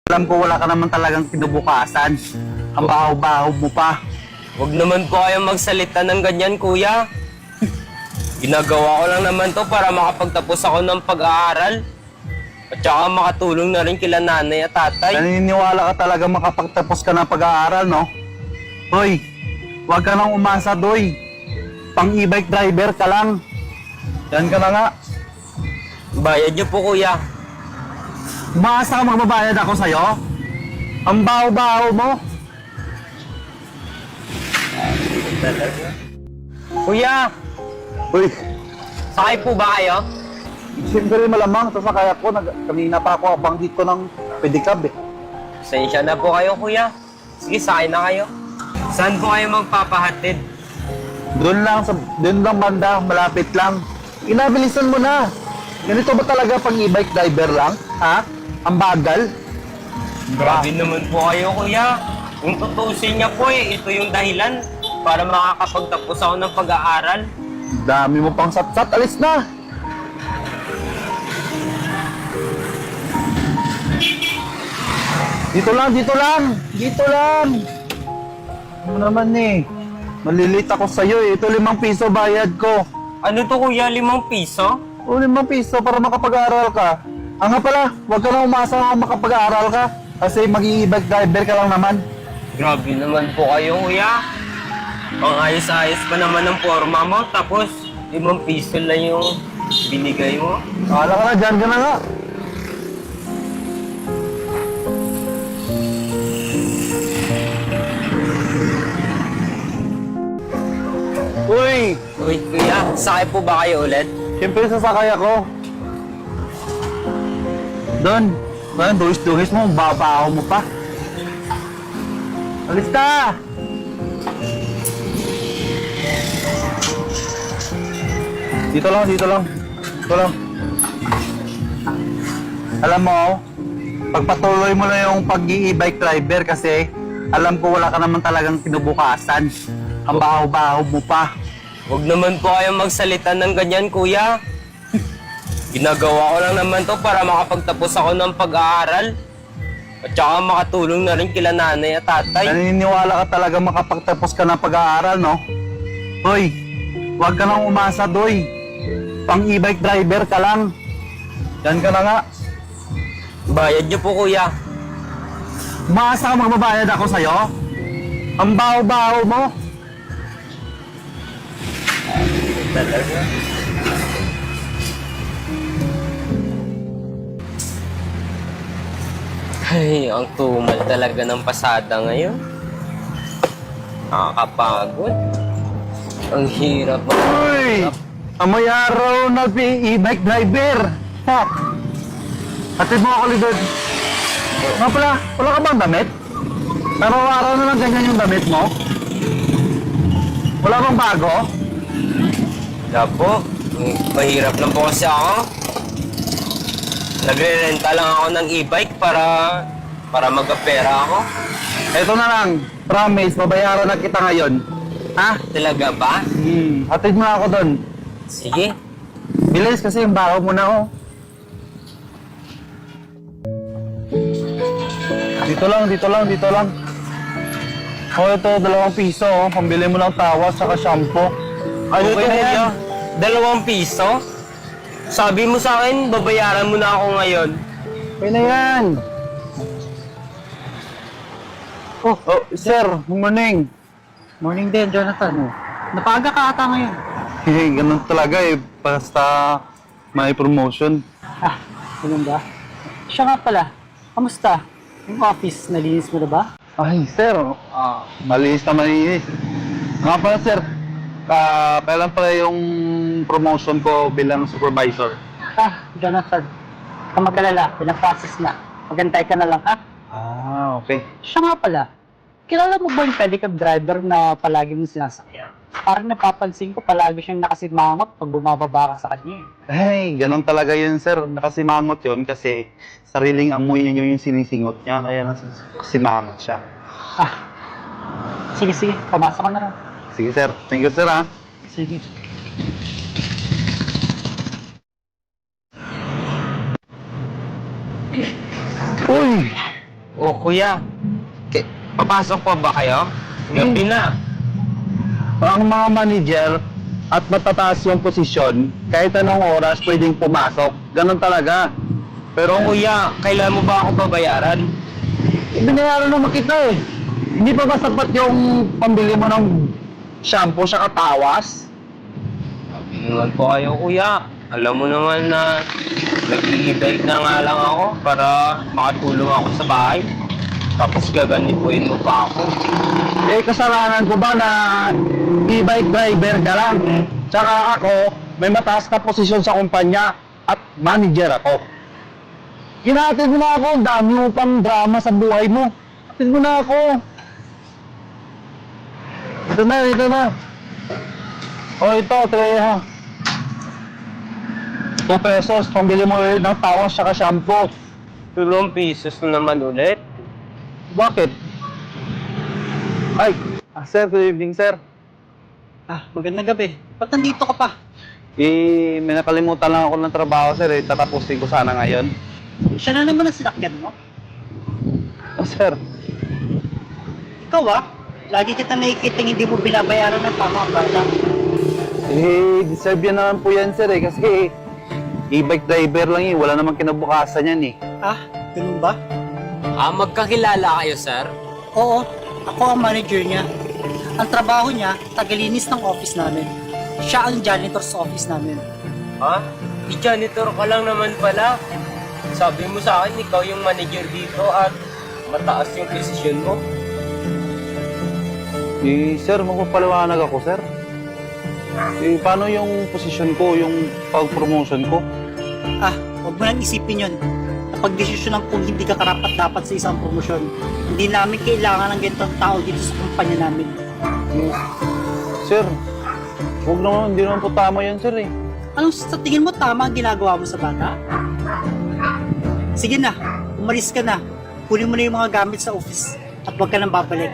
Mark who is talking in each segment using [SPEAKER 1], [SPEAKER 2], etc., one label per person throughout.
[SPEAKER 1] Alam ko wala ka naman talagang kinabukasan. Ang baho-baho mo pa.
[SPEAKER 2] Huwag naman po kayong magsalita ng ganyan, kuya. Ginagawa ko lang naman to para makapagtapos ako ng pag-aaral. At saka makatulong na rin kila nanay at tatay.
[SPEAKER 1] Naniniwala ka talaga makapagtapos ka ng pag-aaral, no? Hoy, huwag ka nang umasa, Doy. Pang e-bike driver ka lang. Yan ka na nga.
[SPEAKER 2] Bayad niyo po, kuya.
[SPEAKER 1] Umasa ka magbabayad ako sa'yo? Ang baho-baho mo.
[SPEAKER 2] Kuya,
[SPEAKER 1] Uy,
[SPEAKER 2] sakay po ba kayo?
[SPEAKER 1] siyempre malamang sasakay ako. Kanina pa ako abang dito ng pedicab eh.
[SPEAKER 2] Pasensya na po kayo, kuya. Sige, sakay na kayo. Saan po kayo magpapahatid?
[SPEAKER 1] Doon lang banda, malapit lang. Inabilisan mo na. Ganito ba talaga pang e-bike driver lang? Ha? Ang bagal?
[SPEAKER 2] Grabe naman po kayo, kuya. Kung tutusin niya po ito yung dahilan para makakapagtapos ako ng pag-aaral.
[SPEAKER 1] Dami mo pang sat-sat, alis na! Dito lang, dito lang! Dito lang! Ano naman eh? Malilate ako sa'yo eh. Ito 5 piso bayad ko.
[SPEAKER 2] Ano to, kuya? 5 piso?
[SPEAKER 1] O 5 piso para makapag-aaral ka. Nga pala, huwag ka na umasa na makapag-aaral ka. Kasi mag-i-bike driver ka lang naman.
[SPEAKER 2] Grabe naman po kayo, kuya. Ang ayos-ayos pa naman ng forma mo, tapos 5 piso lang yung binigay mo.
[SPEAKER 1] Akala ka na, dyan ka na nga. Uy!
[SPEAKER 2] Uy, kuya, sakay po ba kayo ulit?
[SPEAKER 1] Siyempre sasakay ako. Don, duhis-duhis mo, babaho mo pa. Alis ka! Dito lang, dito lang. Dito lang. Alam mo, pagpatuloy mo na yung pag-i-bike driver kasi alam ko wala ka naman talagang kinubukasan. Ang baho-baho mo pa.
[SPEAKER 2] Huwag naman po kayong magsalita ng ganyan, kuya. Ginagawa ko lang naman to para makapagtapos ako ng pag-aaral. At saka makatulong na rin kila nanay at tatay.
[SPEAKER 1] Naniniwala ka talaga makapagtapos ka ng pag-aaral, no? Hoy, huwag ka nang umasa, Doy. Pang e-bike driver ka lang. Yan ka na nga.
[SPEAKER 2] Bayad niyo po, kuya.
[SPEAKER 1] Umasa ka magbabayad ako sa'yo? Ang baho-baho mo.
[SPEAKER 2] Talaga? Ay, ang tumal talaga ng pasada ngayon. Nakakapagod. Ang hirap.
[SPEAKER 1] Uy! Amoy araw na e-bike driver. Ha? Hatid mo ako, Lidod. Nga pala, wala ka bang damit? Araw-araw na lang ganyan yung damit mo? Wala bang bago?
[SPEAKER 2] Wala po. Mahirap lang po kasi ako. Nagre-renta lang ako ng e-bike para magkapera ako.
[SPEAKER 1] Eto na lang, promise, babayaran na kita ngayon. Ha?
[SPEAKER 2] Talaga ba?
[SPEAKER 1] Hatid mo na ako doon.
[SPEAKER 2] Sige.
[SPEAKER 1] Bilis kasi yung baho mo na ako. Dito lang, dito lang, dito lang. Oh, ito, 2 piso. Oh. Pambili mo ng tawas saka shampoo.
[SPEAKER 2] Ano
[SPEAKER 1] Okay
[SPEAKER 2] to,
[SPEAKER 1] na yan.
[SPEAKER 2] kuya? 2 piso? Sabi mo sa akin, babayaran mo na ako ngayon.
[SPEAKER 1] Okay na yan. Oh, sir, good morning.
[SPEAKER 3] Morning din, Jonathan. Napaga ka ata ngayon.
[SPEAKER 1] Ganun talaga eh. Basta may promotion.
[SPEAKER 3] Ah, ganun ba? Siya nga pala, kamusta? Yung office, nalinis mo na ba?
[SPEAKER 1] Ay, sir. Malinis na malinis. Nga pala, sir. Kailan pala yung promotion ko bilang supervisor?
[SPEAKER 3] Ah, Jonathan, ka mag-alala, pinaprocess na. Magantay ka na lang, ha?
[SPEAKER 1] Okay.
[SPEAKER 3] Siya nga pala, kilala mo ba yung pedicab driver na palagi mong sinasakyan? Parang napapansin ko palagi siyang nakasimangot pag bumababa ka sa kanya.
[SPEAKER 1] Ay, ganun talaga yun, sir. Nakasimangot yun kasi sariling amoy niya yung sinisingot niya. Kaya nakasimangot siya.
[SPEAKER 3] Ah, sige, sige, pumasok ka na lang.
[SPEAKER 1] Sige, sir. Thank you, sir, ha.
[SPEAKER 3] Sige.
[SPEAKER 1] Uy!
[SPEAKER 2] O kuya, papasok pa ba kayo? Gabi na.
[SPEAKER 1] Ang mga manager at matataas yung posisyon, kahit anong oras pwedeng pumasok. Ganon talaga.
[SPEAKER 2] Pero kuya, kailan mo ba ako babayaran?
[SPEAKER 1] Binayaran naman kita eh. Hindi pa ba sapat yung pambili mo ng shampoo sa katawas?
[SPEAKER 2] Inuwan po kayo kuya. Alam mo naman na nag-i-bike na nga lang ako para makatulong ako sa bahay. Tapos gaganipuin mo pa ako.
[SPEAKER 1] Eh, kasalanan ko ba na e-bike driver ka lang? Tsaka ako, may mataas na posisyon sa kumpanya at manager ako. Hinatid mo na ako, dami mo pang drama sa buhay mo. Hatid mo na ako. Ito na, ito na. O ito, Treya. 2 pesos, pambili mo ulit ng tawas saka shampoo.
[SPEAKER 2] 2 pesos na naman ulit.
[SPEAKER 1] Bakit? Ay, sir, good evening, sir.
[SPEAKER 3] Magandang gabi. Ba't nandito ka pa?
[SPEAKER 1] May nakalimutan lang ako ng trabaho, sir. Tatapusin ko sana ngayon.
[SPEAKER 3] Siya na naman ang sinakyan mo.
[SPEAKER 1] Sir.
[SPEAKER 3] Ikaw lagi kita nakikita hindi mo binabayaran ng tama ang bata.
[SPEAKER 1] Deserve yan naman po yan, sir, kasi e-bike driver lang wala namang kinabukasan yan
[SPEAKER 3] Ganun ba?
[SPEAKER 2] Magkakilala kayo, sir?
[SPEAKER 3] Oo, ako ang manager niya. Ang trabaho niya, tagalinis ng office namin. Siya ang janitor sa office namin.
[SPEAKER 2] Ha? I-janitor ka lang naman pala. Sabi mo sa akin, ikaw yung manager dito at mataas yung posisyon mo.
[SPEAKER 1] Sir, magpapaliwanag ako, sir. Paano yung posisyon ko, yung pag-promotion ko?
[SPEAKER 3] Huwag mo nang isipin yun. Napag-desisyonan kung hindi ka karapat-dapat sa isang promosyon. Hindi namin kailangan ng ganitong tao dito sa kumpanya namin.
[SPEAKER 1] Sir, huwag naman, hindi naman po tama yan, sir
[SPEAKER 3] Anong sa tingin mo tama ang ginagawa mo sa bata? Sige na, umalis ka na. Kunin mo na yung mga gamit sa office at huwag ka nang babalik.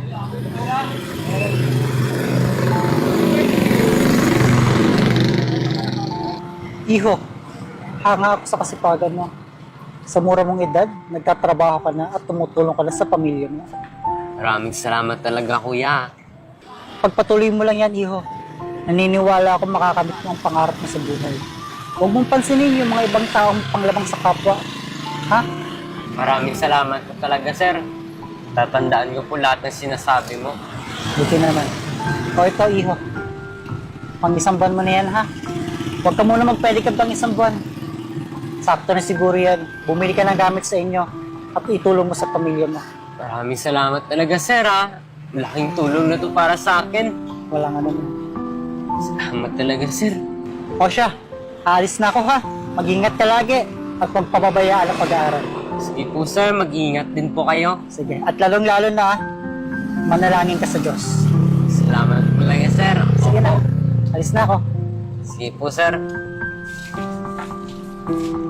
[SPEAKER 3] Iho, hanga ako sa kasipagan mo. Sa mura mong edad, nagtatrabaho ka na at tumutulong ka na sa pamilya mo.
[SPEAKER 2] Maraming salamat talaga, kuya.
[SPEAKER 3] Pagpatuloy mo lang yan, Iho. Naniniwala ako makakamit mo ang pangarap mo sa buhay. Huwag mong pansinin yung mga ibang taong panglabang sa kapwa. Ha?
[SPEAKER 2] Maraming salamat po talaga, sir. Tatandaan ko po lahat ng sinasabi mo.
[SPEAKER 3] Buti naman. O ito, Iho. Pang isang buwan mo na yan, ha? Huwag ka muna magpedicab pang isang buwan. Sakto na siguro yan. Bumili ka ng gamit sa inyo at itulong mo sa pamilya mo.
[SPEAKER 2] Maraming salamat talaga, sir, ha? Malaking tulong na to para sa akin.
[SPEAKER 3] Walang ano mo.
[SPEAKER 2] Salamat talaga, sir.
[SPEAKER 3] O siya, alis na ako, ha? Mag-ingat ka lagi at huwag pababayaan ang pag-aaral.
[SPEAKER 2] Sige po, sir. Mag-iingat din po kayo.
[SPEAKER 3] Sige. At lalong-lalo na, ha? Manalangin ka sa Diyos.
[SPEAKER 2] Salamat talaga, sir.
[SPEAKER 3] Sige na. Alis na ako.
[SPEAKER 2] Sige po, sir.